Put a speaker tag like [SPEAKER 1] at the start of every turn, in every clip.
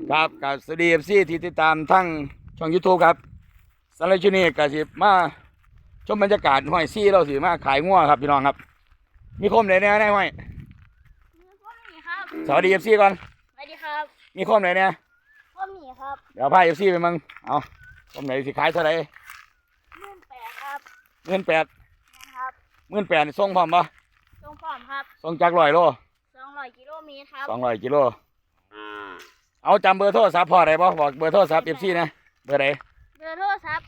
[SPEAKER 1] ครับกับสวัสดีFCที่ติดตามทั้งช่อง YouTube ครับสำหรับช่วงนี้ก็สิมาชมบรรยากาศห้อยซี่เราสิมาขายงัวครับพี่น้องครับมีคมไหนเนี่ยได้ห้อย
[SPEAKER 2] มีพ่อหมีครับ
[SPEAKER 1] สวัสดี FC ก่อน
[SPEAKER 2] สวัสดีครับ
[SPEAKER 1] มีคมไหนเนี่ย
[SPEAKER 2] พ่อหมีครับ
[SPEAKER 1] เดี๋ยวพา FC ไปมึงเอาคมไหนสิขายเท่าไหร่
[SPEAKER 2] 18,000ครับ
[SPEAKER 1] 18,000
[SPEAKER 2] ครับ
[SPEAKER 1] 18,000นี่ส่งพร้อมปะ
[SPEAKER 2] ส่งพร้อมครับ
[SPEAKER 1] ส่งจาก100 โล
[SPEAKER 2] 200 กิโลเมตรครับ
[SPEAKER 1] 200 กิโลเอาจำเบอร์โทรศัพท์พ่อได้ปะบอกเบอร์โทรศัพท์ FC นะเบอร์ไหน
[SPEAKER 2] เบอร์โทรศัพท์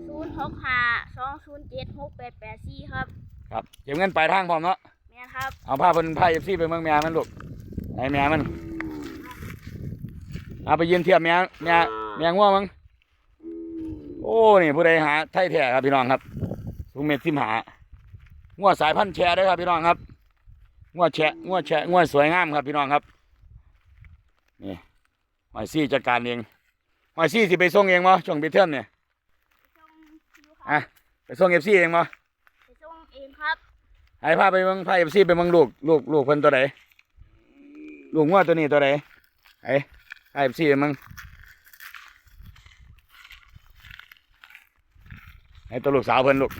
[SPEAKER 2] 0652076884ครับ
[SPEAKER 1] ครับเก็บเงินปลายทางพร้อมเนาะ
[SPEAKER 2] แม่ครับ
[SPEAKER 1] เอาพาFC ไปเมืองแม่มันลูกไหนแม่มันเอาไปยืนเทียบแม่ง่วงมั้งโอ้นี่ผู้ใดหาไทยแท้ครับพี่น้องครับสูงเมตรสิบหาง่วงสายพันธุ์แชร์ด้วยครับพี่น้องครับง่วงแชะง่วงสวยงามครับพี่น้องครับนี่หอยซี่จัดการเองหอยซี่สิไปส่งเองมั้ช่วงปิดเทอมเนี่ยไปส่งFCเองมั้
[SPEAKER 2] ไปส่งเองครับ
[SPEAKER 1] ให้พาไปเมืองพาFCไปเมืองลูกเพิ่นตัวไหนลูกง่วงตัวนี้ตัวไหนไอ้FCไปเมืองให้ตัวลูกสาวเพิ่นลูก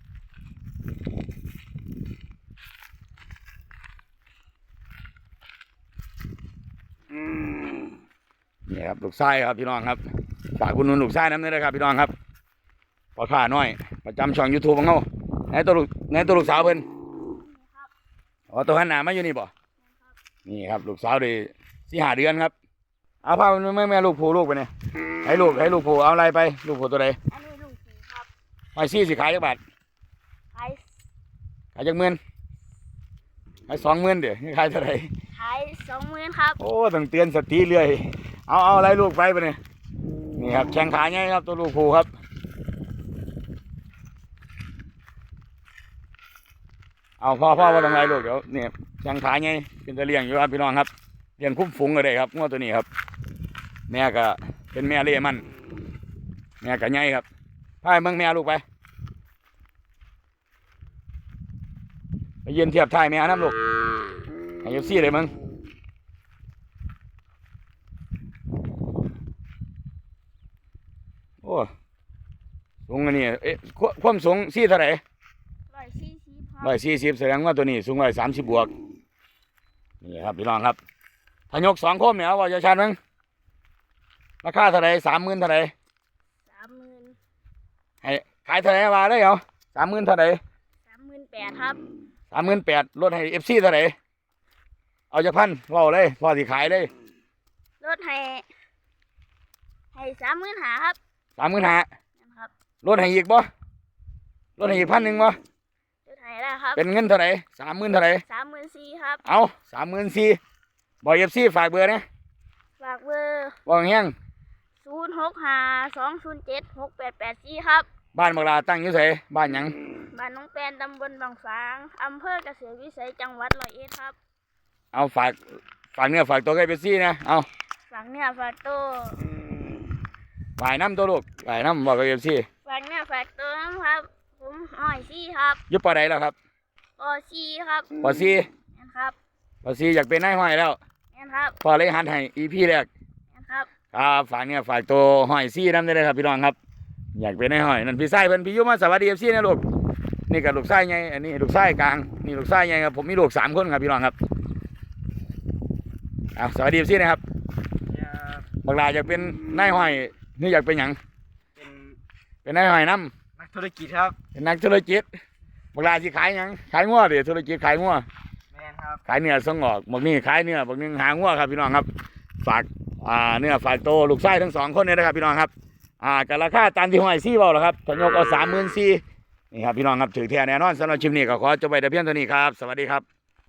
[SPEAKER 1] นี่ครับลูกชายครับพี่น้องครับฝากคุณนุ่นลูกชายน้ำนี่นะครับพี่น้องครับพอข้าน้อยประจำช่อง YouTube ของเขาไหนตัวลูกสาวเพิ่นอ๋อตัวหันหน้ามาอยู่นี่บ่นี่ครับลูกสาวได้4-5 เดือนครับเอาพาแม่ลูกผูลูกไปเนี่ยให้ลูกผูเอาอะไรไปลูกผูตัวใด
[SPEAKER 2] อันนี้ลูกสีครับ
[SPEAKER 1] หอยซี่สิขายจักบาท
[SPEAKER 2] ขาย
[SPEAKER 1] จัก10,000ขาย20,000เดี๋ยวขายเท่าไหร่
[SPEAKER 2] ขาย20,000ครับ
[SPEAKER 1] โอ้ต้องเตือนสติเรื่อยเอาอะไรลูกไปเนี่ยนี่ครับแข้งขาใหญ่ครับตัวลูกผูครับเอาพ่อว่าต้องไรลูกเดี๋ยวเนี่ยแข้งขาใหญ่เป็นตะเลียงอยู่ครับพี่น้องครับเลี้ยงคุ้มฝูงก็ได้ครับงวดตัวนี้ครับแม่ก็เป็นแม่เลี้ยมันแม่ก็ใหญ่ครับพาเมืองแม่ลูกไปยืนเทียบท้ายแม่น้ำลูกให้ยูซี่เลยมึงโอ้สูงอันนี้ความสูงซี่เท่าไหร่140แสดงว่าตัวนี้สูง130 บวกนี่ครับพี่น้องครับถ้ายก2 โคมเนี่ยว่าจะชันมั้งราคาเท่าไหร่30,000เท่าไหร่
[SPEAKER 2] 30,000
[SPEAKER 1] ให้ขายเท่าไหร่มาได้เหรอ30,000เท่าไหร่
[SPEAKER 2] 38,000ครับ
[SPEAKER 1] 38,000ลดให้ FC เท่าไหร่เอาจาก1,000ว่าเลยพอสิขายเลย
[SPEAKER 2] ลดให้35,000ครับ
[SPEAKER 1] 35,000ครับลดให้อีกบ่ลดให้อีก1,000บ่
[SPEAKER 2] ลดให้แล้วครับ
[SPEAKER 1] เป็นเงินเท่าไหร่30,000เท่าไหร่
[SPEAKER 2] 34,000ครับ
[SPEAKER 1] เอา34,000บอก FC ฝากเบอร์นะ
[SPEAKER 2] ฝากเบอร์
[SPEAKER 1] บอกแห้ง
[SPEAKER 2] 0652076884ครับ
[SPEAKER 1] บ้านบักลาตั้งอยู่ไสบ้านหยัง
[SPEAKER 2] บ้านน้องแปนตำบลบางฝางอำเภอเกษตรวิสัยจังหวัด101ครับ
[SPEAKER 1] เอาฝากเนื้อฝากตัวกับ FC นะเอา
[SPEAKER 2] ฝากเนื้อฝากตัว
[SPEAKER 1] ฝ่ายน้ำตัวลูกฝ่ายน้ำบอกกับ FC
[SPEAKER 2] ฝากเนื้อฝากตัวครับผมหอยซี่ครับ
[SPEAKER 1] ยุบปอใดแล้วครับ
[SPEAKER 2] ปอซี่ครับ
[SPEAKER 1] ปอซี่
[SPEAKER 2] ครับ
[SPEAKER 1] ปอซี่อยากเป็นนายห้อยแล้ว
[SPEAKER 2] ครับ
[SPEAKER 1] พอเลยหันให้ EP แรก
[SPEAKER 2] ครับ
[SPEAKER 1] ฝากเนี่ยฝากตัวหอยซี่น้ำได้เลยครับพี่น้องครับอยากเป็นนายห้อยนั่นพี่ไส้เพิ่นพี่ยุมาสวัสดี FC นะลูกนี่กับลูกไส้ไงอันนี้ลูกไส้กลางนี่ลูกไส้ไงครับผมมีลูก3 คนครับพี่น้องครับสวัสดี FC นะครับบักลาอยากเป็นนายห้อยนี่อยากเป็นหยังเป็นนายห้อยน้ำ
[SPEAKER 3] นักธุรกิจครับ
[SPEAKER 1] เป็นนักธุรกิจบักลาสิขายหยังขายงัวเดี๋ยวธุรกิจขายงัว
[SPEAKER 3] แม่นครับ
[SPEAKER 1] ขายเนื้อส่งออกบักนี่ขายเนื้อบักนึงหางัวครับพี่น้องครับฝากเนื้อฝากโตลูกไส้ทั้ง2 คนเนี่ยนะครับพี่น้องครับกับราคาตามที่ห้อยซี่บอกหรอครับถยกเอา34,000นี่ครับพี่น้องครับถือแท้แน่นอนสำหรับชิมนี้ก็ขอจบไปแต่เพียงเท่านี้ครับสวัสดีครับ